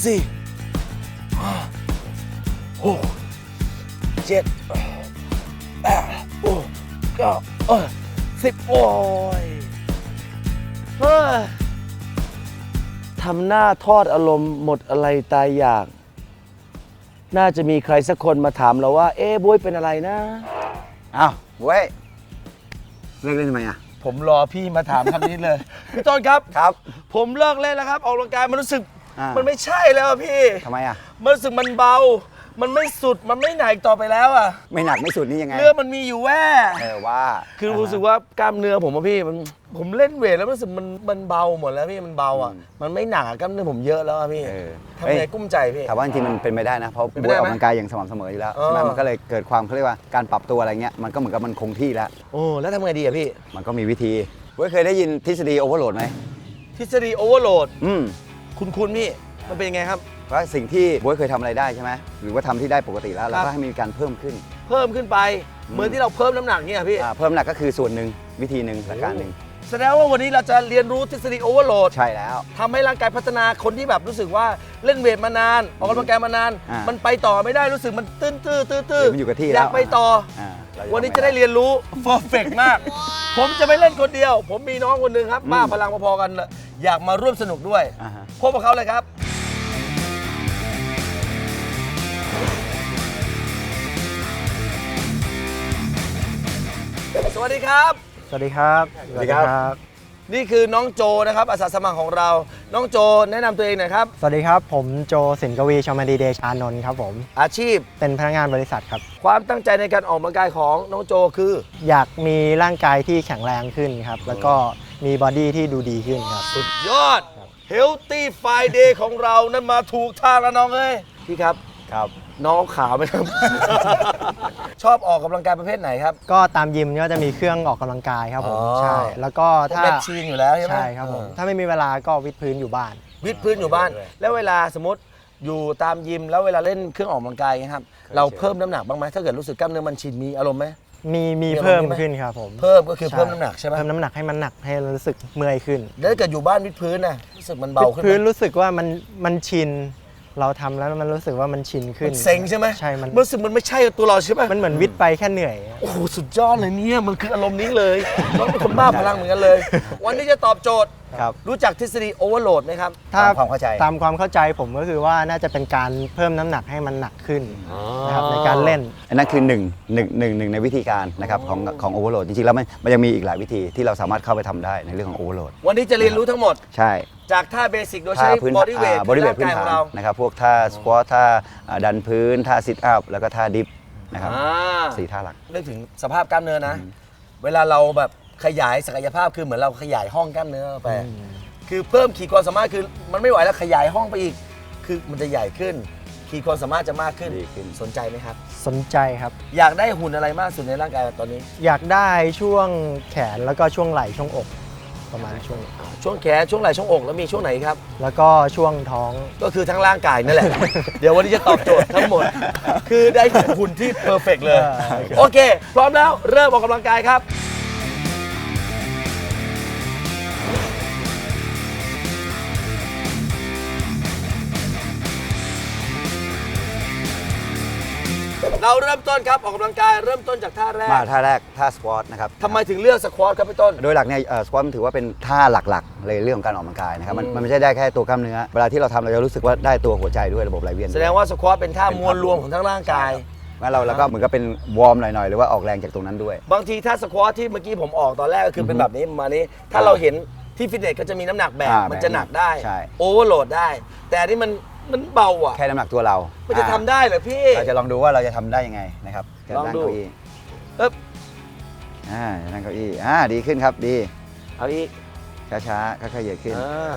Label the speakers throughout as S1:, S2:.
S1: สี่หกเจ็ดแปดเก้าสิบโอ้ยทำหน้าทอดอารมณ์หมดอะไรตายอยากน่าจะมีใครสักคนมาถามเราว่าบ๊วยเป็นอะไรนะ
S2: อ้าวบ๊วยเลิกเล่นทำไมอ่ะ
S1: ผมรอพี่มาถามคำนี้เลย พี่ต้นครับ
S2: ครับ
S1: ผมเลิกเล่นแล้วครับ ออกกำลังกายมันรู้สึก มันไม่ใช่แล้วอะพี่
S2: ทำไมอ่ะ
S1: มันรู้สึกมันเบา มันไม่สุด มันไม่หนักต่อไปแล้วอะ
S2: ไม่หนักไม่สุดนี่ยังไง
S1: เนื้อมันมีอยู่แว่
S2: ว่า
S1: คือรู้สึกว่ากล้ามเนื้อผมอะพี่ผมเล่นเวทแล้วรู้สึกมันเบาหมดแล้วพี่มันเบาอ่ะมันไม่หนักกล้ามเนื้อผมเยอะแล้วอะพี่ทำไงกุ้มใจพี่
S2: แต่ว่าจริงๆมันเป็นไปได้นะเพราะ
S1: เป็น
S2: บ๊
S1: ไป
S2: วย
S1: ได้
S2: อ
S1: ไหม
S2: อกกำลังกายอย่างสม่ำเสมออยู่แล้วใช่ไหมมันก็เลยเกิดความเขาเรียกว่าการปรับตัวอะไรเงี้ยมันก็เหมือนกับมันคงที่แล้ว
S1: โอ้แล้วทำไงดีอะพี่
S2: มันก็มีวิธีบ๊วยเคยได้ยินทฤษฎีโอเวอร์โหลดไหม
S1: ทฤษฎีโอเวอร์โหลด
S2: อืม
S1: คุณพี่มันเป็นยังไงครับ
S2: ว่าสิ่งที่บ๊วยเคยทำอะไรได้ใช่ไหมหรือว่าทำที่ได้ปกติแล้วเราก็ให้มีการเพิ่มขึ้น
S1: เพิ่มขึ้นไปเหมือนที่เราเพิ่มน้ำหนักเนี่ยพี่
S2: เพิ่มน้ำหนักก็คือส่วนหนึ่งวิธีหนึ่งหลักการหนึ่ง
S1: แสดงว่าวันนี้เราจะเรียนรู้ทฤษฎีโอเวอร์โหลด
S2: ใช่แล้ว
S1: ทำให้ร่างกายพัฒนาคนที่แบบรู้สึกว่าเล่นเวทมานานออกกำลังกายมานาน มันไปต่อไม่ได้รู้สึกมันตื้น
S2: มันอยู่กับที่แล้ว
S1: อยากไปต่อ วันนี้จะได้เรียนรู้เพอร์เฟกมาก ผมจะไม่เล่นคนเดียว ผมมีน้องคนหนึ่งครับบ้าพลังพอๆกันอยากมาร่วมสนุกด้วยพบกับเขาเลยครับสวัสดีครับ
S3: สวัสดีครับ
S2: สวัสดีครับ
S1: นี่คือน้องโจนะครับอาสาสมัครของเราน้องโจแนะนำตัวเองหน่อยครับ
S3: สวัสดีครับผมโจสินกวีชมาดีเดชานนท์ครับผม
S1: อาชีพ
S3: เป็นพนักงานบริษัทครับ
S1: ความตั้งใจในการออกกำลังกายของน้องโจคือ
S3: อยากมีร่างกายที่แข็งแรงขึ้นครับ แล้วก็มีบอดี้ที่ดูดีขึ้นครับ
S1: สุดยอด Healthy Friday ของเรานั้นมาถูกทางแล้วน้องเอ้ยพี่ครับ
S2: ครับ
S1: น้องขาวไหมครับ ชอบออกกำลังกายประเภทไหนครับ
S3: ก็ตามยิมก็จะมีเครื่องออกกำลังกายครับผม
S1: อ๋อ
S3: ใช่แล้วก็ถ้า
S1: แมชชีนอยู่แล้วใช่ไหม
S3: ใช่ครับผมถ้าไม่มีเวลาก็วิดพื้นอยู่บ้าน
S1: วิดพื้นอยู่บ้าน แล้วเวลาสมมติอยู่ตามยิมแล้วเวลาเล่นเครื่องออกกำลังกายนะครับเราเพิ่มน้ำหนักบ้างไหมถ้าเกิดรู้สึกกล้ามเนื้อมันชินมีอารมณ์ไหม
S3: มี
S1: มี
S3: เพิ่ม
S1: อารมณ์ไหม
S3: ขึ้นครับผม
S1: เพิ่มก็คือเพิ่มน้ำหนักใช่ไหม
S3: เพิ่มน้ำหนักให้มันหนักให้รู้สึกเมื่อยขึ้น
S1: แล้วถ้าเกิดอยู่บ้านวิดพื้นน่ะรู้สึกมันเบาขึ้นไหม
S3: พื้นรู้สึกว่ามันชินเราทำแล้วมันรู้สึกว่ามันชินขึ้น
S1: มันเซ็งใช่ไหม
S3: ใช่มัน
S1: รู้สึกมันไม่ใช่ตัวเราใช่ไหม
S3: มันเหมือนวิดไปแค่เหนื่อย
S1: โอ้โหสุดยอดเลยเนี่ยมันคืออารมณ์นี้เลยน้องเป็นคนบ้าพลังเหมือนกันเลย วันนี้จะตอบโจทย์
S2: ครับ
S1: รู้จักทฤษฎีโอเวอร์โหลดไหมครับ
S2: ตามความเข้าใจ
S3: ตามความเข้าใจผมก็คือว่าน่าจะเป็นการเพิ่มน้ำหนักให้มันหนักขึ้นนะครับในการเล่น
S2: อันนั้นคือหนึ่งในวิธีการนะครับของโอเวอร์โหลดจริงๆแล้วมันยังมีอีกหลายวิธีที่เราสามารถเข้าไปทำได้ในเรื่องของโอเวอร์โหลด
S1: วันนี้จะเรียนรู้ทั้งหมด
S2: ใช่
S1: จากท่าเบสิกโดยใช้
S2: พื้น
S1: บอดี้เวท
S2: บอดี้เวท
S1: ร่าง
S2: พื้น
S1: กายข
S2: ฐา
S1: อน งเรา
S2: นะครับพวกท่าสควอตท่าดันพื้นท่าซิทอัพแล้วก็ท่าดิฟนะครับ
S1: อ่า
S2: 4ท่าหลัก
S1: นึกถึงสภาพกล้ามเนื้อนะ เวลาเราแบบขยายศักยภาพคือเหมือนเราขยายห้องกล้ามเนื้อไปคือเพิ่มขีดความสามารถคือมันไม่ไหวแล้วขยายห้องไปอีก คือมันจะใหญ่ขึ้น ขีดความสามารถจะมากขึ้น
S2: ดีขึ้น
S1: สนใจไหมครับ
S3: สนใจครับ
S1: อยากได้หุ่นอะไรมากสุดในร่างกายตอนนี้
S3: อยากได้ช่วงแขนแล้วก็ช่วงไหล่ช่วงอกประมาณช่วง
S1: ช่วงแขนช่วงไหล่ช่วงอกแล้วมีช่วงไหนครับ
S3: แล้วก็ช่วงท้อง
S1: ก็คือทั้งร่างกายนั่นแหละ เดี๋ยววันนี้จะตอบโจทย์ทั้งหมด คือได้หุ่นที่เพอร์เฟกเลย โอเค พร้อมแล้วเริ่มออกกำลังกายครับ เราเริ่มต้นครับออกกำลังกายเริ่มต้นจากท่าแรก
S2: มาท่าแรกท่าสควอตนะครับ
S1: ทำไมถึงเลือกสควอตครับพี่ต้น
S2: โดยหลักเนี่ยสควอตมันถือว่าเป็นท่าหลักๆเลยเรื่องของการออกกำลังกายนะครับมันไม่ใช่ได้แค่ตัวกล้ามเนื้อเวลาที่เราทำเราจะรู้สึกว่าได้ตัวหัวใจด้วยระบบไหลเวียน
S1: แสดงว่าสควอตเป็นท่ามวลรวมของทั้งร่างกาย
S2: งั้นเราก็เหมือนกับเป็นวอร์มหน่อยๆหรือว่าออกแรงจากตรงนั้นด้วย
S1: บางทีถ้าสควอตที่เมื่อกี้ผมออกตอนแรกก็คือเป็นแบบนี้ประมาณนี้ ถ้าเราเห็นที่ฟิตเนสก็จะมีน้ำหนักแบกมันจะหนักได้
S2: ใช่
S1: โอเวอร์โหลดได้ แต่อันนี่มันเบาอ่ะ
S2: แค่น้ำหนักตัวเรา
S1: มันจะทำได้เหรอพี่
S2: เราจะลองดูว่าเราจะทำได้ยังไงนะครับจะ
S1: ลอง
S2: นั่ง
S1: ดู
S2: เก้าอี้
S1: เอ๊บ
S2: จะนั่งเก้าอี้ดีขึ้นครับดี
S1: เอาอีก
S2: ช้าๆค่อยๆเหยียดขึ้น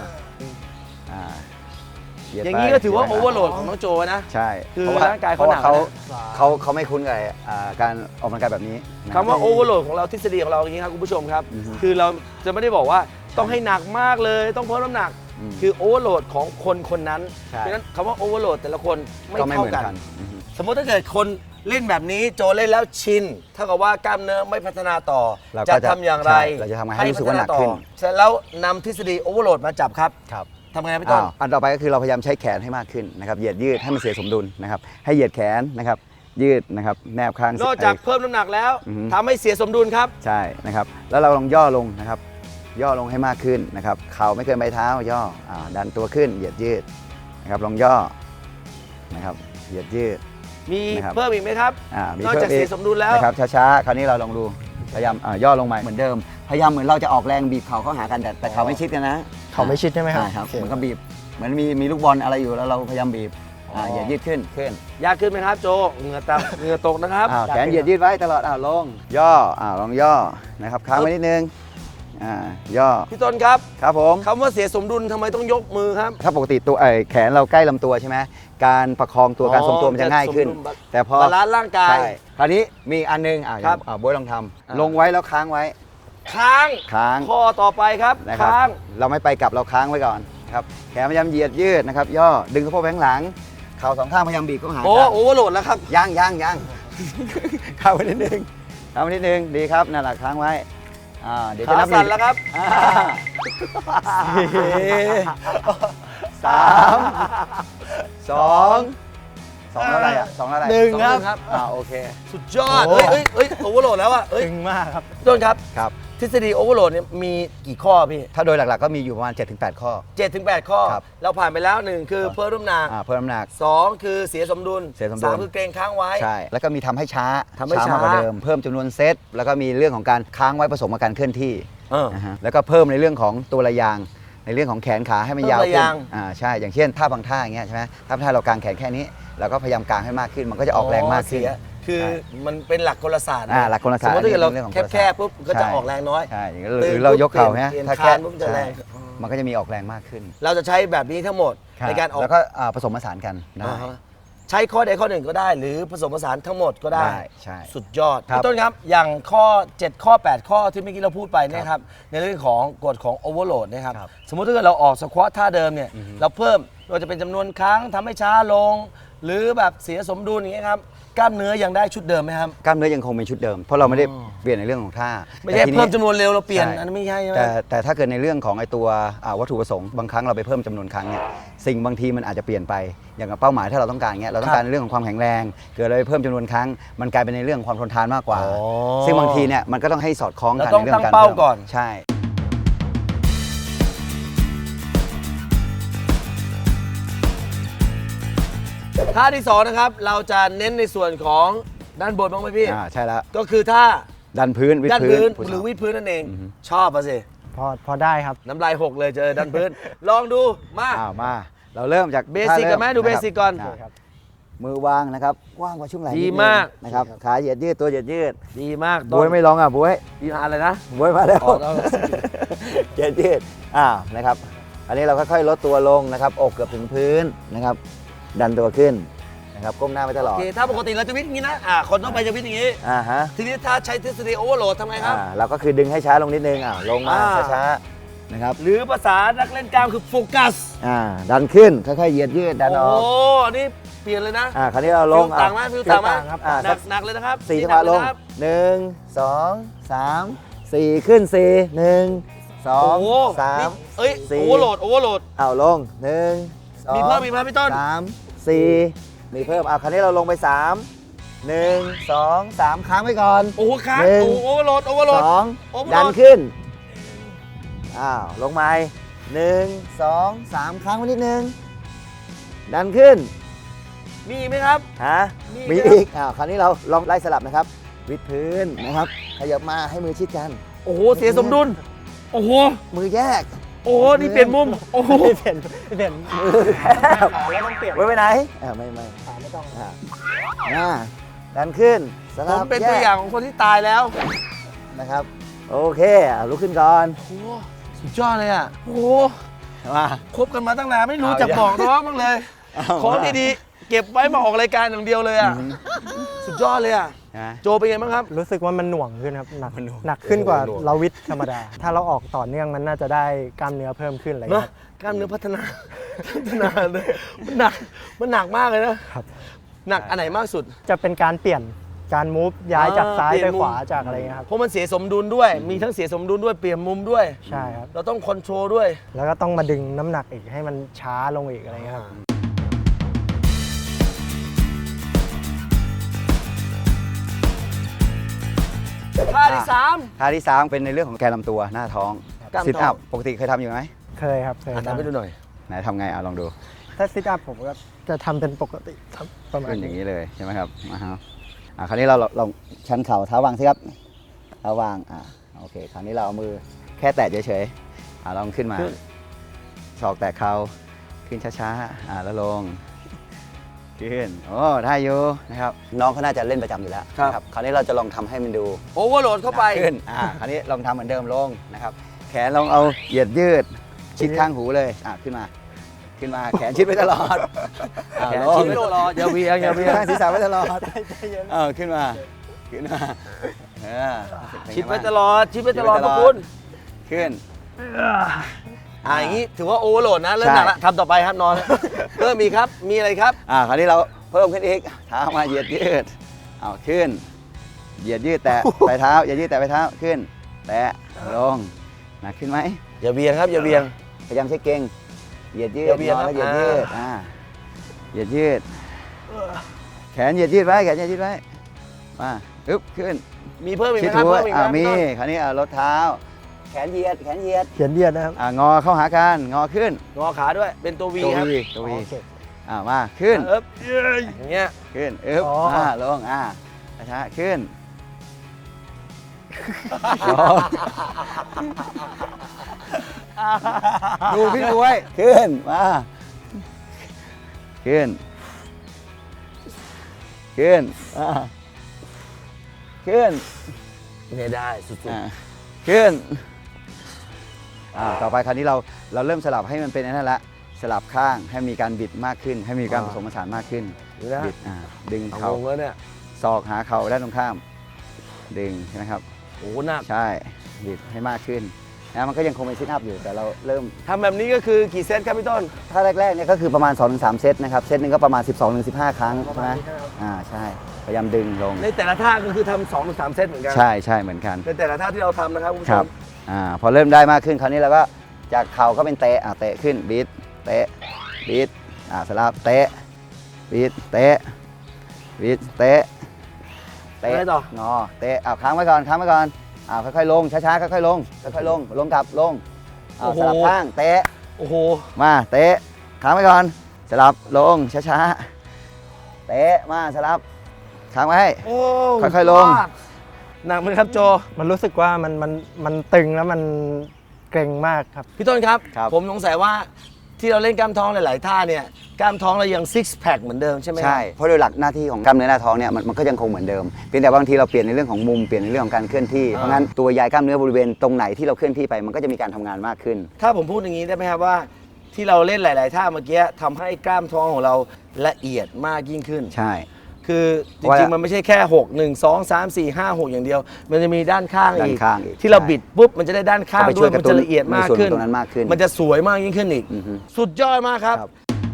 S2: เหยียด
S1: อย่าง
S2: ไป
S1: นี้ก็ถือว่า
S2: เห
S1: โอ
S2: ยียด
S1: เว
S2: ไป
S1: อร์โหลดของน้องโจนะ
S2: ใช่
S1: คือ
S2: เพะว่
S1: ร่างกายเขา
S2: พระว่
S1: หนักนะ
S2: เขาไม่คุ้นกับการออกกำลังกายแบบนี้นะ
S1: คำว่าโอเวอร์โหลดของเราทฤษฎีของเราอย่างนี้ครับคุณผู้ชมครับ คือเราจะไม่ได้บอกว่าต้องให้หนักมากเลยต้องเพิ่มน้ำหนัก คือโอเวอร์โหลดของคนคนนั้น
S2: ใช่
S1: เพราะฉะนั้นคำว่าโอเวอร์โหลดแต่ละคนไม่
S2: ก็ไม่
S1: เท่า
S2: เหมือน
S1: กัน
S2: กัน
S1: สมมติถ้าเกิดคนเล่นแบบนี้โจเล่นแล้วชินเท่ากับว่ากล้ามเนื้อไม่พัฒนาต่อ
S2: เราก็
S1: จะทำอย่างไร
S2: ใช่เราจะทำให้รู้สึกว่าหนักขึ้น
S1: เสร็จแล้วนำทฤษฎีโอเวอร์โหลดมาจับครับ
S2: ครับ
S1: ทำไงพี่ต้น
S2: อันต่อไปก็คือเราพยายามใช้แขนให้มากขึ้นนะครับเหยียดยืดให้มันเสียสมดุลนะครับให้เหยียดแขนนะครับยืดนะครับแนบข้าง
S1: นอกจากเพิ่มน้ำหนักแล้ว
S2: อือฮึ
S1: ทำให้เสียสมดุลครับ
S2: ใช่นะครับแล้วเราลองย่อลงนะครับย่อลงให้มากขึ้นนะครับเข่าไม่เกินใบเท้าย่อดันตัวขึ้นเหยียดยืดนะครับลองย่อนะครับเหยียดยืด
S1: มี
S2: นะครับ
S1: เพิ่มอีกไหมครับ
S2: มี
S1: นอกจาก
S2: พิ่
S1: เสียสมดุลแล้ว
S2: นะครับช้าๆคราวนี้เราลองดูพยายามย่อลงมาเหมือนเดิมพยายามเหมือนเราจะออกแรงบีบเข่าเข้าหากันแต่เข่าไม่ชิดกันนะ
S3: เขาไม่ชิดใช่ไหมครับ
S2: ใช่ครับ
S3: โอเค
S2: เหมือนกับบีบเหมือนมีลูกบอลอะไรอยู่แล้วเราพยายามบีบเหยียดยืดขึ้น
S1: ยากขึ้นไหมครับโจเหงื่อตกเหงื่อตกนะครับ
S2: แขนเหยียดยืดไว้ตลอดลงย่อลองย่อนะครับค้างไว้นิดนึงย่อ
S1: พี่ต้นครับ
S2: ครับผม
S1: คำว่าเสียสมดุลทำไมต้องยกมือครับ
S2: ถ้าปกติตัวแขนเราใกล้ลำตัวใช่ไหมการประคองตัวการทรงตัวมันจะง่ายขึ้น
S1: สมดุล
S2: แต่พอบ
S1: าลานซ์ร่างกาย
S2: ใช่คราวนี้มีอีกอันนึง
S1: ครับ
S2: โบ๊ทลองทำลงไว้แล้วค้างไว้
S1: ค้าง
S2: ค้าง
S1: ข้อต่อไปครับ
S2: นะครับ
S1: ค้าง
S2: เราไม่ไปกลับเราค้างไว้ก่อนครับแขนพยายามเหยียดยืดนะครับย่อดึงสะโพกไปข้างหลังเข่าสองข้างพยายามบีบเข้าหา
S1: โอ้
S2: กัน
S1: โอเวอร์โหลดแล้วครับ
S2: ยังเข้าไปนิดนึงดีครับนั่นแหละค้างไว้เดี๋ยวจะ
S1: ขา
S2: นับ
S1: สั่นแล้วครับ
S2: สามสองเท่าไหร่อ่ะสองเท่าไหร่
S3: หนึ่ง
S1: สอง
S3: ครับ
S2: โอเค
S1: สุดยอด
S3: โอ้
S1: เฮ้ยโอเวอร์โหลดแล้วอะเฮ้ย
S3: ตึงมากครับ
S1: พี่ต้นครับ
S2: ครับ
S1: ทฤษฎีโอเวอร์โหลดเนี่ยมีกี่ข้อพี่
S2: ถ้าโดยหลักๆก็มีอยู่ประมาณ 7-8 ข้อ
S1: 7-8 ข้อ
S2: ครับ
S1: เราผ่านไปแล้ว 1 คือเพิ่มน้ำหนัก
S2: เพิ่มน้ำหนัก
S1: 2 คือเสียสมดุล
S2: เสียสมดุล
S1: 3 คือเกรงค้างไว้
S2: ใช่ แล้วก็มีทำให้ช้า
S1: ทำให้ช้าม
S2: ากกว่าเดิม เพิ่มจำนวนเซต แล้วก็มีเรื่องของการค้างไว้ผสมกับการเคลื่อนที่
S1: เออ
S2: นะฮะแล้วก็เพิ่มในเรื่องของตัวระยาง ในเรื่องของแขนขาให้มันยาว
S1: เพิ่มระ
S2: ขึ้
S1: ยาน ง
S2: ใช่ อย่างเช่นท่าบางท่าอย่างเงี้ยใช่ไหมท่าบางท่าเรากางแขนแค่นี้เราก็พยายามกางให้มากขึ้น มันก็จะออกแรงมากขึ้น
S1: เสียคือมันเป็นหลักกลศาสตร์
S2: หลักกลศาสตร์
S1: สมมติถ้าเกิดเรา
S2: เรื่องของ
S1: แคบๆปุ๊บก็จะออกแรงน้อย
S2: ใช่อย่างนี้
S1: ตื่น
S2: หรือเรายกเข่าเนี่ย
S1: เปลี่ยน
S2: ถ้า
S1: คานปุ๊บจะแรง
S2: ใช่มันก็จะมีออกแรงมากขึ้น
S1: เราจะใช้แบบนี้ทั้งหมดในการออก
S2: แล้วก็ผสมผสานกันได้
S1: อ่าฮะใช้ข้อใดข้อหนึ่งก็ได้ หรือผสมผสานทั้งหมดก็ได้
S2: ใช่
S1: สุดยอด
S2: ครับ
S1: พี่ต้นครับอย่างข้อ 7 ข้อ 8 ข้อที่เมื่อกี้เราพูดไปเนะครับในเรื่องของกฎของโอเวอร์โหลดนะครับ
S2: ครับ
S1: สมมติถ้าเกิดเราออกสควอตท่าเดิมเนี่ยเราเพิ่มเราจะเป็นจำนวนครั้งทำให้ช้าลง หรือแบบเสียสมดุลอย่างเงี้ยครับกล้ามเนื้อยังได้ชุดเดิมไหมครับ
S2: กล้ามเนื้อยังคงเป็นชุดเดิม เพราะเราไม่ได้เปลี่ยนในเรื่องของท่า
S1: ไม่ใช่
S2: แต่ทีนี้
S1: เพิ่มจำนวนเร็วเราเปลี่ยน
S2: ใช่
S1: อันนั้นไม่ใช่ใช่ไหม
S2: แต่ถ้าเกิดในเรื่องของไอตัววัตถุประสงค์บางครั้งเราไปเพิ่มจำนวนครั้งเนี่ยสิ่งบางทีมันอาจจะเปลี่ยนไปอย่างกับเป้าหมายถ้าเราต้องการเงี้ยเราต้องการในเรื่องของความแข็งแรงเกิดเราไปเพิ่มจำนวนครั้ง มันกลายเป็นในเรื่องของความทนทานมากกว่า
S1: อ๋อ
S2: ซึ่งบางทีเนี่ยมันก็ต้องให้สอดคล้องกัน
S1: เราต้อง
S2: ในเรื่องการ
S1: ตั้งเป้าก่อน
S2: ใช่
S1: ท่าที่2นะครับเราจะเน้นในส่วนของด้านบนบ้างไหมพี่
S2: ใช่แล้ว
S1: ก็คือท่า
S2: ดันพื้นวิด
S1: ด้าน
S2: พื้
S1: พื้
S2: น
S1: นหรือวิดพื้นนั่นเอง ชอบปะสิ
S3: พอได้ครับ
S1: น้ำลายหกเลยเจอด้านพื้น ลองดูมา
S2: มาเราเริ่มจาก
S1: เบสิกกันไหมดูเบสิกก่อน
S2: มือวางนะครับว่างกว่าช่วงไหล่
S1: ดี
S2: นินึง
S1: มาก
S2: นะครับขาเหยียดยืดตัวเหยียดยืด
S1: ดีมาก
S2: บวยไม่ลองบวย
S1: ดีอะไรนะ
S2: บวยมาแล้ว
S1: อ๋อแล้ว
S2: เหยียดยืดนะครับอันนี้เราค่อยๆลดตัวลงนะครับอกเกือบถึงพื้นนะครับดันตัวขึ้นนะครับก้มหน้าไปตลอ
S1: โอ
S2: ด
S1: เคถ้าปกติเราจะวิดอย่างนี้นะคนต้องไปจะวิดอย่างนี้
S2: ฮะ
S1: ทีนี้ถ้าใช้ทฤษฎีโอเวอร์โหลดทำไงครับ
S2: เราก็คือดึงให้ช้าลงนิดนึงลงมา
S1: อ่า
S2: ช้าๆนะครับ
S1: หรือภาษานักเล่นกล้ามคือโฟกัส
S2: ดันขึ้นค่อยๆเหยียดยืดดันออก
S1: โอ้อันนี้เปลี่ยนเลยนะ
S2: คราวนี้เราลง
S1: ฟิลต่างไหมฟิลต่างไหม
S3: ครับ
S1: หนักเลยนะครับ
S2: สี่จังห
S1: นั
S2: วะ
S1: กเย
S2: ลง
S1: นะครับ
S2: 1 2 3 4ขึ้น4 1
S1: โอ้โห
S2: 2
S1: นี่
S2: 3
S1: เอ้ย
S2: สี่
S1: โอเวอร์โหลดโอเวอร์โหลด
S2: ลง1 2
S1: มีเพิ่มพี่ต้น
S2: 3 4มีเพิ่มคราวนี้เราลงไป 3 1 2 3 ค้างไว้ก่อน
S1: โอ้โหค้าง
S2: หนึ่ง
S1: โอ้โหโอเวอร์โหลดโอเวอร์โหลด โอเวอร์โหลด
S2: ดันขึ้นลงมา1 2 3 ค้างไว้นิดนึงดันขึ้น
S1: มีไหมครับ มี
S2: มี
S1: ครับ
S2: อีกคราวนี้เราลองไล่สลับนะครับวิดพื้นนะครับขยับมาให้มือชิดกัน
S1: โอ้โหเสียสมดุลโอ้โห
S2: มือแยก
S1: โอ้โหนี่เปลี่ยนมุมโอ้โห
S3: เปลี่ยน
S2: มือแคบ
S3: แล้วต้องเปลี่ยน
S2: ไว้ไปไหนไม่
S3: ไม่ต้อง
S2: ดันขึ้นส
S1: ผ
S2: ลั
S1: ม
S2: บ
S1: เป็น
S2: แย
S1: ตัว
S2: ก
S1: อย่างของคนที่ตายแล้ว
S2: นะครับโอเคลุกขึ้นก่อน
S1: โอ้โหสุดยอดเลยอ่ะโอ้โห
S2: มา
S1: คบกันมาตั้งนานไม่รู้จักบอกน้องบ้างเลย ของดีๆเก็บไว้มาออกรายการอย่างเดียวเลยอ่ะสุดยอดเลยอ่ะ
S2: นะ
S1: โจเป็นไงบ้างครับ
S3: รู้สึกว่ามันหน่วงขึ้นครับหนัก
S2: มันหน่วง
S3: หนักขึ้นกว่า
S2: หน่วง
S3: เราวิดธรรมดา ถ้าเราออกต่อเนื่องมันน่าจะได้กล้ามเนื้อเพิ่มขึ้นอะไร
S1: เนอะ
S3: ครับ
S1: กล้ามเนื้อพัฒนา เลยมันหนักมากเลยนะครับ หนักอันไหนมากสุด
S3: จะเป็นการเปลี่ยนการมูฟย้ายจากซ้าย
S1: เปลี่
S3: ไป
S1: ยนมุม
S3: ขวาจากอะไรเงี้ยครับ
S1: เพราะมันเสียสมดุลด้วย มีทั้งเสียสมดุลด้วยเปลี่ยนมุมด้วย
S3: ใช่ครับ
S1: เราต้องคอนโทรลด้วย
S3: แล้วก็ต้องมาดึงน้ำหนักอีกให้มันช้าลงอีกอะไรเงี้ยครับ
S1: ท่าที่สาม
S2: ท่าที่ 3 เป็นในเรื่องของแกนลำตัวหน้าท้อง
S1: กล้ามท้อง
S2: ซิทอัพปกติเคยทำอยู่ไหม
S3: เคยครับเคย
S1: ทำให้ดูหน่อย
S2: ไหนทำไงลองดู
S3: ถ้าซิทอัพผมก็จะทำเป็นปกติครับประมาณ
S2: ขึ้นอย่าง
S3: นี้
S2: นี้เลยใช่ไหมครับคราวนี้เราลองชันเข่าเท้าวางสิครับเท้าวางโอเคคราวนี้เราเอามือแค่แตะเฉยๆลองขึ้นมา
S1: ขึ้น
S2: ศอกแตะเข่าขึ้นช้าๆแล้วลงขึ้นโอ้ได้อยู่นะครับน้องเขาน่าจะเล่นประจำอยู่แล้วนะครับคราวนี้เราจะลองทำให้มันดู
S1: โอเวอร์โหลดเข้าไป
S2: ขึ้นคราวนี้ลองทำเหมือนเดิมลงนะครับแขนลองเอาเหยียดยืดชิดข้างหูเลยขึ้นมาแขนชิดไว้ตลอด
S1: แขนชิดไว้ตลอดอย่าเวียงอย่าเวียง
S2: ข้างศีรษะไว้ตลอดขึ้นมา
S1: ชิดไว้ตลอดชิดไว้ตลอดพวกคุณ
S2: ขึ้น
S1: อย่างนี้ถือว่าโอเวอร์โหลดนะเริ่มหนักละทำต่อไปครับนอนเริ่มมีครับมีอะไรครับ
S2: คราวนี้เราเพิ่มขึ้นอีกเท้ามาเหยียดยืดขึ้นเหยียดยืดแตะปลายเท้าเหยียดยืดแตะปลายเท้าขึ้นแตะลงหนักขึ้นไหม
S1: อย่าเวียงครับอย่าเวียง
S2: พยายามใช้เก่งเหยียดยืด
S1: อย่าเวียง
S2: นอนแล้วเหยียด
S1: ครับ
S2: ยืดเหยียดยืดแขนเหยียดยืดไว้แขนเหยียดยืดไว้มาอึ๊บขึ้น
S1: มีเพิ่มอีกไห
S2: ชิ
S1: ม
S2: ด
S1: ครับ
S2: หัว
S1: เพิ่มอีกไหม
S2: มี
S1: พี่ต้น
S2: คราวนี้ลดเท้าแขนเหยียด
S3: เขียนเหยียดนะครับ
S2: งอเข้าหากันงอขึ้น
S1: งอขาด้วยเป็นตัววี
S2: ตัว
S1: ครับ
S2: วีตัววี
S3: โอเค
S2: มาขึ้น
S1: เอ๊บอย่างเงี้ย
S2: ขึ้นอึ๊บ
S3: อ๋อ
S2: ลงช้าขึ้นดูพี่บวยขึ้นมาขึ้นขึ้นขึ้น
S1: เนี่ยได้สุด
S2: ขึ้นต่อไปคราวนี้เราเริ่มสลับให้มันเป็นนั่นละสลับข้างให้มีการบิดมากขึ้น ให้มีการผสมผสานมากขึ้น
S1: ๆดูนะ
S2: บิดดึง
S1: เอา
S2: เข่าง
S1: งแล้วเนี่ย
S2: ศอกหาเข่าด้านตรงข้าม ดึงใช่ไหมครับ
S1: โอ้โหหนัก
S2: ใช่บิดให้มากขึ้นนะมันก็ยังคงเป็นซิทอัพอยู่แต่เราเริ่ม
S1: ทำแบบนี้ก็คือกี่เซตครับพี่ต้น
S2: ถ้าแรกๆเนี่ยก็คือประมาณ 2-3 เซตนะครับเซตหนึ่งก็ประมาณ 12-15 ครั้งใช่ไหมใช่พยายามดึงลง
S1: ในแต่ละท่าก็คือทำ2-3 เซตเหมือนกัน
S2: ใช่เหมือนกัน
S1: ในแต่ละท่าที่เราทำนะครับคุณผู้
S2: ค
S1: ช
S2: รับ
S1: ม
S2: พอเริ่มได้มากขึ้นคราวนี้เราก็จากเข่าก็เป็นเตะเตะขึ้นบิดเตะบิดสลับเตะบิดเตะบิดเตะเตะ
S1: อะไรต่อ
S2: งอเตะค้างไว้ก่อนค่อยๆลงช้าๆค่อยๆลงค่อยๆลงกลับลงสลับข้างเตะ
S1: โอ้โห
S2: มาเตะค้างไว้ก่อนสลับลงช้าๆเตะมาสลับค้างไว้
S1: โอ้
S2: ค่อยๆลง
S1: หนักไหมครับโจ
S3: มันรู้สึกว่ามันตึงแล้วมันเกร็งมากครับ
S1: พี่ต้นครับ
S2: ครับ
S1: ผมสงสัยว่าที่เราเล่นกล้ามท้องหลายๆท่าเนี่ยกล้ามท้องเรายังซิกแพคเหมือนเดิมใช่ไหมครับ
S2: ใช่เพราะโดยหลักหน้าที่ของกล้ามเนื้อหน้าท้องเนี่ยมันก็ยังคงเหมือนเดิมเพียงแต่บางทีเราเปลี่ยนในเรื่องของมุมเปลี่ยนในเรื่องของการเคลื่อนที่เพราะงั้นตัวยายกล้ามเนื้อบริเวณตรงไหนที่เราเคลื่อนที่ไปมันก็จะมีการทำงานมากขึ้น
S1: ถ้าผมพูดอย่างนี้ได้ไหมครับว่า ที่เราเล่นหลาย ๆ ท่าเมื่อกี้ทำให้กล้ามท้องของเราละเอียดมากยิ่งขึ้น
S2: ใช่
S1: คือจ
S2: ว่า
S1: ริง ๆ มันไม่ใช่แค่ 6 1 2 3 4 5 6 อย่างเดียว มันจะมีด้านข้าง
S2: ด้าน
S1: อีก
S2: ข้างอีก
S1: ที่เรา
S2: ใช่
S1: บิดปุ๊บมันจะได้ด้านข้าง
S2: ก็ไปช่
S1: ด้
S2: ว
S1: วย ย
S2: ก
S1: มั
S2: ระ
S1: น
S2: ตุ้น
S1: จะละเอียดมาก
S2: ในส่วน
S1: ขึ้น
S2: ตรงนั้นมากขึ้น
S1: มันจะสวยมากยิ่งขึ้นอีก
S2: อือฮึ
S1: สุดยอดมากครับ
S2: ครับ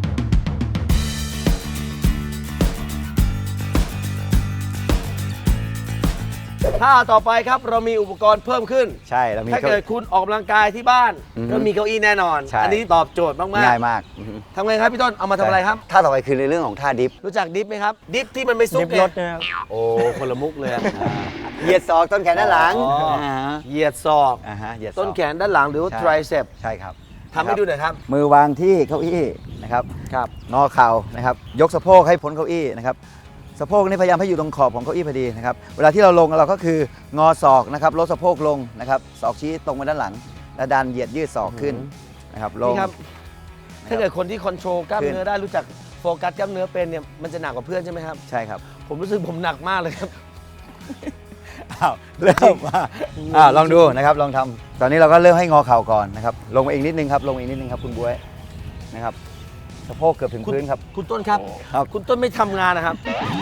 S1: ท่าต่อไปครับเรามีอุปกรณ์เพิ่มขึ้น
S2: ใช่แล้วมี
S1: ถ้าเกิดคุณออกกำลังกายที่บ้าน
S2: อือฮึ
S1: ก็มีเก้าอี้แน่นอน
S2: ใช่
S1: อันนี้ตอบโจทย์มาก
S2: ง่ายมากอือฮึ
S1: ๆทำไงครับพี่ต้นเอามาทำอะไรครับ
S2: ท่าต่อไปคือในเรื่องของท่าดิฟ
S1: รู้จักดิฟไหมครับ ดิฟที่มันไม่ซุ
S3: ดิ
S1: ก
S3: ฟ
S1: ไง
S3: รถนะครับ
S1: โอ้คนละมุกเลยอะ
S2: เหยียดศอกต้นแขนด้านหลัง
S1: อ๋อเหยียดศอก
S2: เหยียดศอก
S1: ต้นแขนด้านหลังหรือว่า
S2: ใช่
S1: ไตรเซป
S2: ใช่ครับ
S1: ทำให้ดูหน่อยครับ
S2: มือวางที่เก้าอี้นะครับ
S1: ครับ
S2: งอเข่านะครับยกสะโพกให้พ้นเก้าอี้นะครับสะโพกนี่พยายามให้อยู่ตรงขอบของเก้าอี้พอดีนะครับเวลาที่เราลงเราก็คืองอศอกนะครับลดสะโพกลงนะครับศอกชี้ตรงไปด้านหลัง และดันเหยียดยืดศอกขึ้นนะครับลง
S1: นี่ครับ ถ้าเกิดคนที่คอนโทรลกล้าม
S2: ขึ้น
S1: เนื้อได้รู้จักโฟกัสกล้ามเนื้อเป็นเนี่ยมันจะหนักกว่าเพื่อนใช่ไหมครับ
S2: ใช่ครับ
S1: ผมรู้สึกผมหนักมากเลยครับ
S2: เริ่มมาลองดูนะครับลองทำตอนนี้เราก็เริ่มให้งอเข่าก่อนนะครับลงมาอีกนิดนึงครับลงมาอีกนิดนึงครับคุณบ๊วยนะครับสะโพกเกือบถึงพื้นครับ
S1: คุณต้นครับ
S2: ครับ
S1: คุณต้นไม่ทำงานนะครับ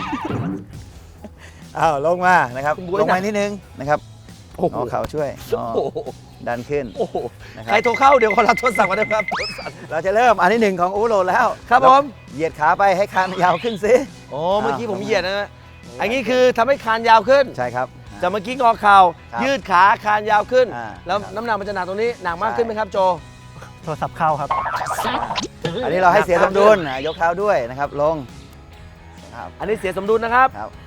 S2: ลงมานะครับ
S1: คุณบ๊วย
S2: ลงมานิดนึงนะครับ
S1: โอ้โห
S2: งอเข่าช่วยงอ
S1: โอ้โห
S2: ดันขึ้น
S1: โอ้โห
S2: นะครับ
S1: ใครโทรเข้าเดี๋ยวขอรับโทรศัพท์มาได้ไหมครับโทรศัพท์
S2: เราจะเริ่มอันที่หนึ่งของอูโรแล้ว
S1: ครับผม
S2: เหยียดขาไปให้คานยาวขึ้นซิ
S1: โอ้เมื่อกี้ผมเหยียดนะอันนี้คือทำให้คานยาวขึ้น
S2: ใช่ครับ
S1: จากเมื่อกี้งอเข่า
S2: ครับ
S1: ยืดขาคานยาวขึ้น แล้ว
S2: ครับ
S1: น้ำหนักมันจะหนักตรงนี้หนักมากขึ้นไหมครับโจ
S3: โทรศัพท์เข้าครับ
S2: อันนี้เราให้เสียสมดุลยกเท้าด้วยนะครับลงครับ
S1: อันนี้เสียสมดุลนะครับ
S2: ครับ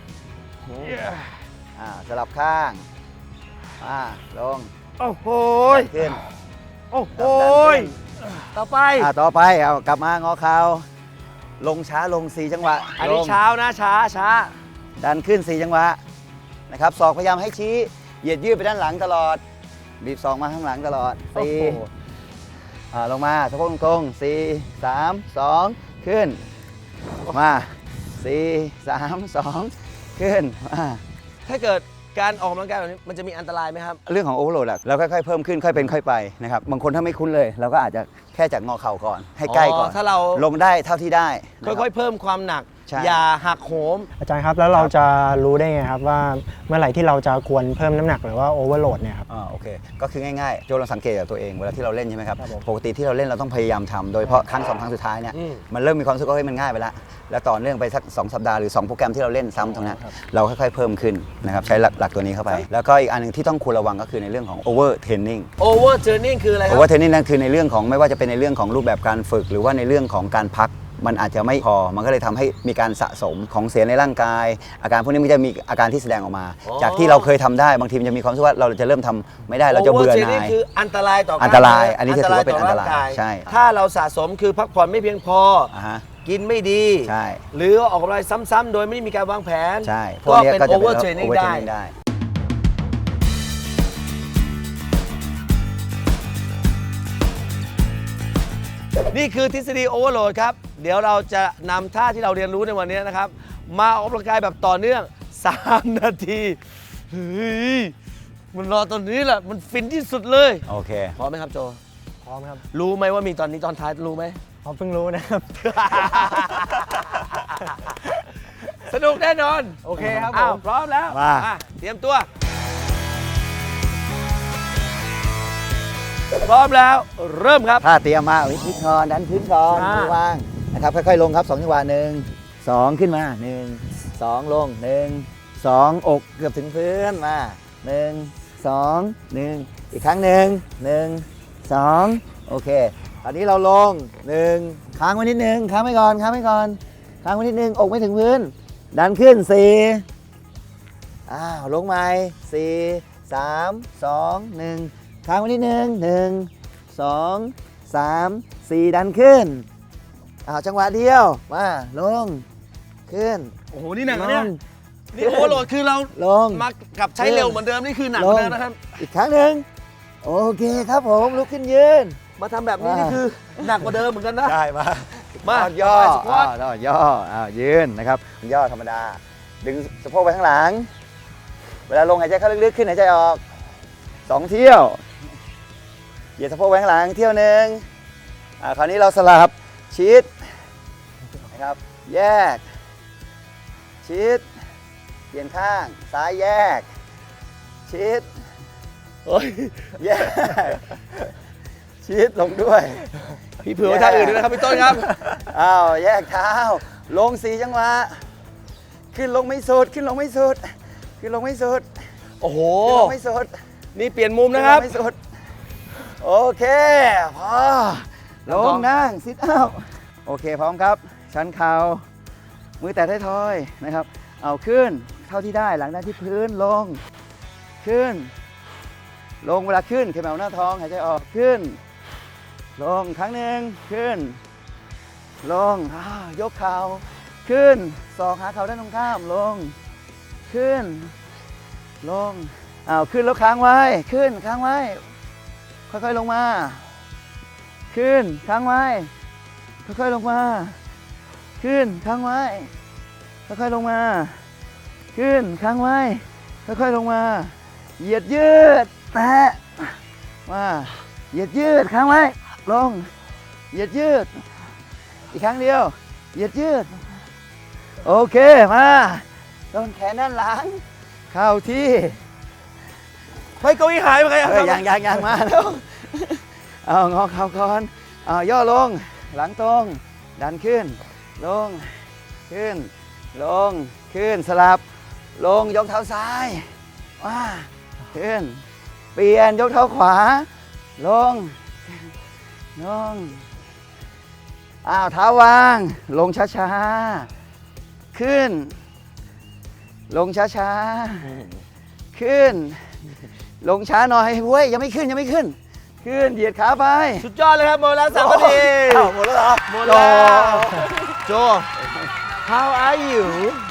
S2: สลับข้างลง
S1: โอ้โห
S2: ขึ้น
S1: โอ้โห
S2: ดันขึ้น
S1: ต่อไป
S2: ต่อไปเอากลับมางอเข่าลงช้าลง4จังหวะ
S1: อันนี้
S2: ลง
S1: เช้านะช้า
S2: ดันขึ้น4จังหวะนะครับศอกพยายามให้ชี้เหยียดยืดไปด้านหลังตลอดบีบศอกมาข้างหลังตลอด
S1: โอ้โห
S2: ลงมาสะโพกตรงๆ4 3 2 ขึ้นมา4 3 2 ขึ้นมา
S1: ถ้าเกิดการออกกำลังกายแบบนี้มันจะมีอันตรายไหมครับ
S2: เรื่องของโอเวอร์โหลดเราค่อยๆเพิ่มขึ้นค่อยเป็นค่อยไปนะครับบางคนถ้าไม่คุ้นเลยเราก็อาจจะแค่จากงอเข่าก่อนให้ใกล้ก่อน
S1: ถ้าเรา
S2: ลงได้เท่าที่ได้นะครับ
S1: ค่อยๆเพิ่มความหนัก
S2: ใช่
S1: อย่าหักโหม
S3: อาจารย์ครับแล้วเราจะรู้ได้ไงครับว่าเมื่อไหร่ที่เราจะควรเพิ่มน้ำหนักหรือว่าโอเวอร์โหลดเนี่ยครับ
S2: โอเคก็คือง่ายๆโจลองสังเกตจากตัวเองเวลาที่เราเล่นใช่ไหมครับ
S3: ครับผม
S2: ปกติที่เราเล่นเราต้องพยายามทำโดยเฉพาะครั้ง2 ครั้งสุดท้ายเนี่ย
S1: อืม
S2: มันเริ่มมีความรู้สึกว่าเฮ้ยมันง่ายไปแล้วแล้วต่อเนื่องไปสัก2 สัปดาห์หรือ2 โปรแกรมที่เราเล่นซ้ำตรงเนี้ยเราค่อยๆเพิ่มขึ้นนะครับใช้หลักตัวนี้เข้าไป แล้วก็อีกอันหนึงที่ต้องควรระวังก็คือในเรื่องของ over training
S1: over training คืออะไรครั
S2: over training นั่นคือในเรื่องของไม่ว่าจะเป็นในเรื่องของรูปแบบการฝึก หรือว่าในเรื่องของการพักมันอาจจะไม่พอมันก็เลยทำให้มีการสะสมของเสียในร่างกาย อาการพวกนี้มันจะมีอาการที่แสดงออกมา จากที่เราเคยทำได้บางทีมันจะมีความรู้สึกว่าเราจะเริ่มทำไม่ได้เราจะ
S1: over
S2: เบื่อห
S1: training
S2: น่าย
S1: คืออันตรายต่อ
S2: อันตรายอันนี้จะถือว่าเป็นอันตราย
S1: ต่งก
S2: ใช่
S1: ถ้าเราสะสมคือพักผ่อนไม่เพียงพอ
S2: ฮะ
S1: กินไม่ดี
S2: ใช่
S1: หรือออกกำลังซ้ำๆโดยไม่มีการวางแผน
S2: ใช่พว
S1: ก็
S2: กนี้
S1: เป็น
S2: ก็จะ
S1: over
S2: เป็น
S1: training
S2: over
S1: ได้
S2: training ได้
S1: นี่คือทฤษฎีโอเวอร์โหลดครับ เดี๋ยวเราจะนำท่าที่เราเรียนรู้ในวันนี้นะครับ มาออกกำลังกายแบบต่อเนื่อง 3 นาทีเฮ้ยมันรอตอนนี้แหละ มันฟินที่สุดเลย
S2: โอเค
S1: พร้อมไหมครับโจ
S3: พร้อมครับ
S1: รู้ไหมว่ามีตอนนี้ตอนท้ายรู้ไหม
S3: ผมเพิ่งรู้นะครับ
S1: สนุกแน่นอน
S3: โอเคครับ
S1: อ้าว
S3: ผม
S1: พร้อมแล้ว
S2: มา
S1: เตรียมตัว พร้อมแล้วเริ่มครับ
S2: ถ้าเตรียมมาวิธีคอนดันพื้นก่อน
S1: อ่า
S2: มือวางนะครับค่อยๆลงครับ2 จังหวะ1 2 ขึ้นมา1 2 ลง1 2 อกเกือบถึงพื้นมา1 2 1 อีกครั้ง1 2 โอเคตอนนี้เราลง1ค้างไว้นิดนึงค้างไว้ก่อนค้างไว้ก่อนค้างไว้นิดนึงอกไม่ถึงพื้น ดันขึ้น4ลงใหม่4 3 2 1ค้างไว้นิดนึง1 2 3 4 ดันขึ้นจังหวะเดียวมาลงขึ้น
S1: โอ้โห นี่หนักนะเนี่ย
S2: ลง
S1: นี่โอเวอร์โหลดคือเรา
S2: ลง
S1: มากับใช้เร็วเหมือนเดิมนี่คือหนักเหมือนเดิมนะครับ
S2: อีกครั้งหนึ่งโอเคครับผมลุกขึ้นยืน
S1: มาทำแบบนี้นี่คือหนักกว่าเดิมเหมือนกันนะ
S2: ได้มา
S1: มา
S2: ย่อ
S1: สควอต
S2: ย่อยืนนะครับย่อธรรมดา ดึงสะโพกไปข้างหลัง เวลาลงหายใจเข้าลึกๆขึ้นหายใจออก2 เที่ยวเหยียดสะโพกไปข้างหลังเที่ยวหนึ่งคราวนี้เราสลับชิดนะครับแยกชิดเปลี่ยนข้างซ้ายแยกชิด
S1: โอ้ย
S2: แยกชิดลงด้วย
S1: พี่เผื่อไว้ท่าอื่นด้วยนะครับพี่ต้นครับ
S2: แยกเท้าลง4 จังหวะขึ้นลงไม่สุดขึ้นลงไม่สุดขึ้นลงไม่สุด
S1: โอ้โห
S2: ขึ้นลงไม่สุด
S1: นี่เปลี่ยนมุมนะครับ
S2: ขึ้ลงไม่สุดโอเคพอลงนั่งซิทอัพโอเคพร้อมครับ ชันเข่ามือแตะท้ายทอยนะครับเอาขึ้นเท่าที่ได้หลังด้านที่พื้นลงขึ้น ลงเวลาขึ้นเข็มเอาหน้าท้องหายใจออกขึ้น ลงครั้งหนึ่งขึ้น ลงยกเข่าขึ้นศอกหาเข่าด้านตรงข้ามลงขึ้น ลงขึ้นแล้วค้างไว้ขึ้นค้างไว้ค่อยๆลงมาขึ้นค้างไว้ค่อยๆลงมาขึ้นค้างไว้ค่อยๆลงมาขึ้นค้างไว้ค่อยๆลงมาเหยียดยืดแตะมาเหยียดยืดค้างไว้ลงเหยียดยืดอีกครั้งเดียวเหยียดยืดโอเคมาโดนแขนด้านหลังเข้าที่
S1: เฮ้ยเก้าอี้หายไปไงครับ
S2: ยังมาแล้วงอเข่าก่อนย่อลงหลังตรงดันขึ้นลงขึ้นลงขึ้นสลับลงยกเท้าซ้ายว่าขึ้นเปลี่ยนยกเท้าขวาลงอ้าวเท้าวางลงช้าๆขึ้นลงช้าๆขึ้นลงช้าหน่อยเว้ยยังไม่ขึ้นขึ้นเหยียดขาไป
S1: สุดยอดเลยครับหมดแล้ว3 นาที
S2: อ้าวหมดแล้วเหรอ
S1: หมดแล้วโจ how are you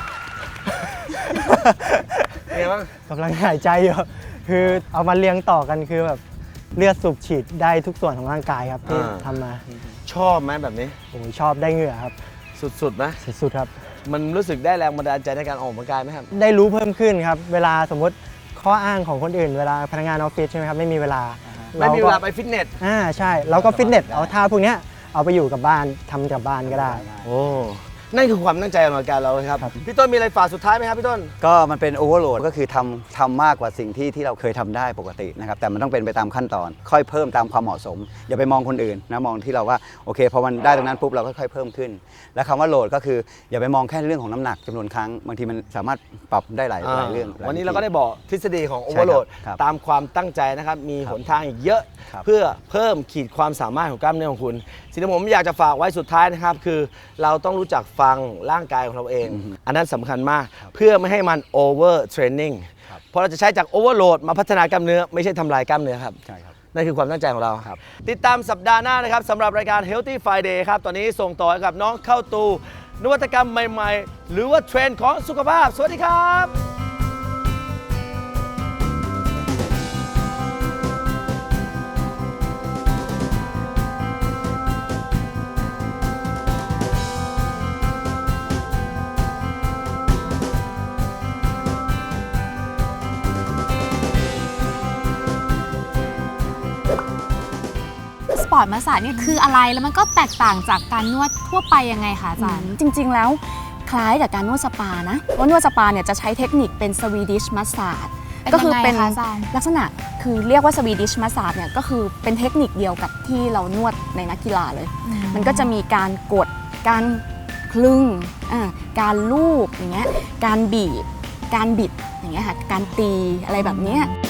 S1: เป็นไงบ้าง
S3: กำลังหายใจอยู่คือเอามาเรียงต่อกันคือแบบเลือดสูบฉีดได้ทุกส่วนของร่างกายครับที่ทำมา
S1: ชอบไหมแบบนี้
S3: โอ้ยชอบได้เหงื่อครับ
S1: สุดๆไหม
S3: สุดๆครับ
S1: มันรู้สึกได้แรงบันดาลใจในการออกกำลังกายไหมครับ
S3: ได้รู้เพิ่มขึ้นครับ เวลาสมมติข้ออ้างของคนอื่น เวลาพนักงานออฟฟิศใช่ไหมครับไม่มีเวลา
S1: ไม่มีเวลาไปฟิตเนส
S3: ใช่เราก็ฟิตเนสเอาท่าพวกเนี้ยเอาไปอยู่กับบ้านทำกับบ้านก็ได้
S1: โอ้ นั่นคือความตั้งใจของรายการเราครับ พี่ต้นมีอะไรฝากสุดท้ายไหมครับพี่ต้น
S2: ก็มันเป็นโอเวอร์โหลดก็คือทำมากกว่าสิ่งที่เราเคยทำได้ปกตินะครับแต่มันต้องเป็นไปตามขั้นตอน ค่อยเพิ่มตามความเหมาะสม อย่าไปมองคนอื่นนะมองที่เราว่าโอเคพอมันได้ตรงนั้นปุ๊บเราก็ค่อยเพิ่มขึ้น และคำว่าโหลดก็คืออย่าไปมองแค่เรื่องของน้ำหนักจำนวนครั้งบางทีมันสามารถปรับได้หลายเรื่อง
S1: วันนี้เราก็ได้บอกทฤษฎีของโอเวอร์โหลด
S2: ครับ
S1: ตามความตั้งใจนะครับ มีหนทางอีกเยอะ
S2: ครับ
S1: เพื่อเพิ่มขีดความสามารถของกล้ามเนื้อของคุณ สิ่งที่ผมอยากจะฝากไว้สุดท้ายนะครับ คือเราต้องรู้จักฟังร่างกายของเราเอง อันนั้นสำคัญมากเพื่อไม่ให้มันโอเวอร์เทรนนิ่งเพราะเราจะใช้จากโอเวอร์โหลดมาพัฒนากล้ามเนื้อไม่ใช่ทำลายกล้ามเนื้อครับ
S2: ใช่ครับ
S1: นั่นคือความตั้งใจของเราครับ ติดตามสัปดาห์หน้านะครับสำหรับรายการ Healthy Friday ครับ ตอนนี้ส่งต่อให้กับน้องเข้าตูนวัตกรรมใหม่ๆ หรือว่าเทรนด์ของสุขภาพ สวัสดีครับ
S4: สปอร์ตมัสสาจเนี่ยคืออะไรแล้วมันก็แตกต่างจากการนวดทั่วไปยังไงคะอาจารย์
S5: จริงๆ แล้วคล้ายกับการนวดสปานะว่านวดสปาเนี่ยจะใช้เทคนิคเป็นสวีดิชมัสซาจ
S4: เป็น
S5: ก็คื
S4: ยังไง
S5: เป็น
S4: คะอาจารย์
S5: ลักษณะคือเรียกว่าสวีดิชมัสซาจเนี่ยก็คือเป็นเทคนิคเดียวกับที่เรานวดในนักกีฬาเลย มันก็จะมีการกดการคลึงการลูบอย่างเงี้ยการบีบการบิดอย่างเงี้ยค่ะการตีอะไรแบบเนี้ย